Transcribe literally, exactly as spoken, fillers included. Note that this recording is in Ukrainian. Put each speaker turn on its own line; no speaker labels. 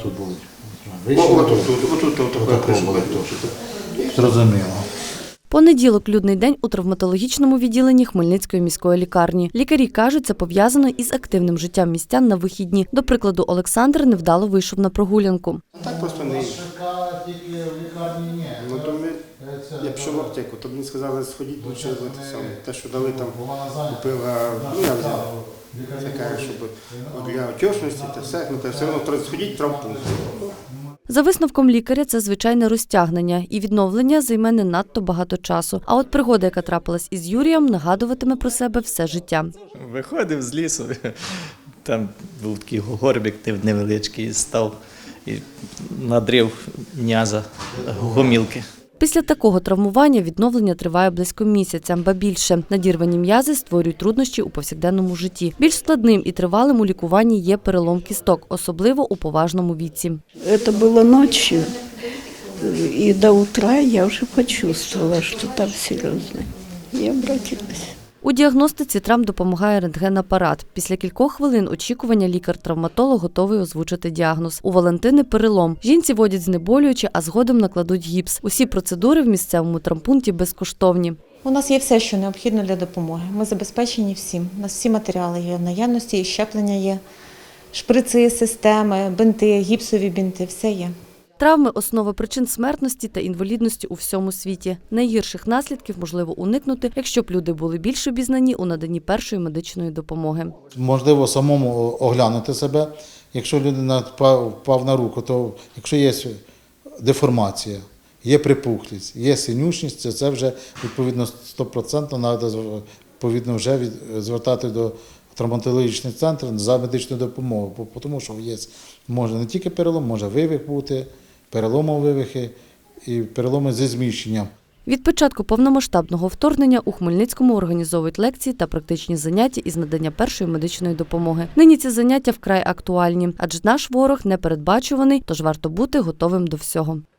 тут болить?
Отут, отут,
Зрозуміло.
Понеділок – людний день у травматологічному відділенні Хмельницької міської лікарні. Лікарі кажуть, це пов'язано із активним життям містян на вихідні. До прикладу, Олександр невдало вийшов на прогулянку.
Так просто не їх. Ну, то ми, я пішов в аптеку, то мені сказали, сходіть, лучше те саме. Те, що дали там, купила, ну я взяв. Це каже, щоб для отечності, та все, ну, все одно сходіть в травмпункт.
За висновком лікаря, це звичайне розтягнення, і відновлення займе не надто багато часу. А от пригода, яка трапилась із Юрієм, нагадуватиме про себе все життя.
Виходив з лісу, там був такий горбик невеличкий, став і надрив м'яза гомілки.
Після такого травмування відновлення триває близько місяця, ба більше. Надірвані м'язи створюють труднощі у повсякденному житті. Більш складним і тривалим у лікуванні є перелом кісток, особливо у поважному віці.
Це було ночі, і до утра я вже почувствовала, що там серйозно. Я обратилась.
У діагностиці травм допомагає рентген-апарат. Після кількох хвилин очікування лікар-травматолог готовий озвучити діагноз. У Валентини перелом. Жінці вводять знеболюючі, а згодом накладуть гіпс. Усі процедури в місцевому травмпункті безкоштовні.
У нас є все, що необхідно для допомоги. Ми забезпечені всім. У нас всі матеріали є в наявності, і щеплення є, шприци, системи, бинти, гіпсові бинти – все є.
Травми – основа причин смертності та інвалідності у всьому світі. Найгірших наслідків можливо уникнути, якщо б люди були більш обізнані у наданні першої медичної допомоги.
Можливо, самому оглянути себе. Якщо людина впав на руку, то якщо є деформація, є припухлість, є синючність, це, це вже відповідно сто відсотків треба відповідно вже від, звертати до травматологічний центр за медичною допомогою, тому що є, може не тільки перелом, може вивих бути, переломові вивихи і переломи зі зміщенням.
Від початку повномасштабного вторгнення у Хмельницькому організовують лекції та практичні заняття із надання першої медичної допомоги. Нині ці заняття вкрай актуальні, адже наш ворог непередбачуваний, тож варто бути готовим до всього.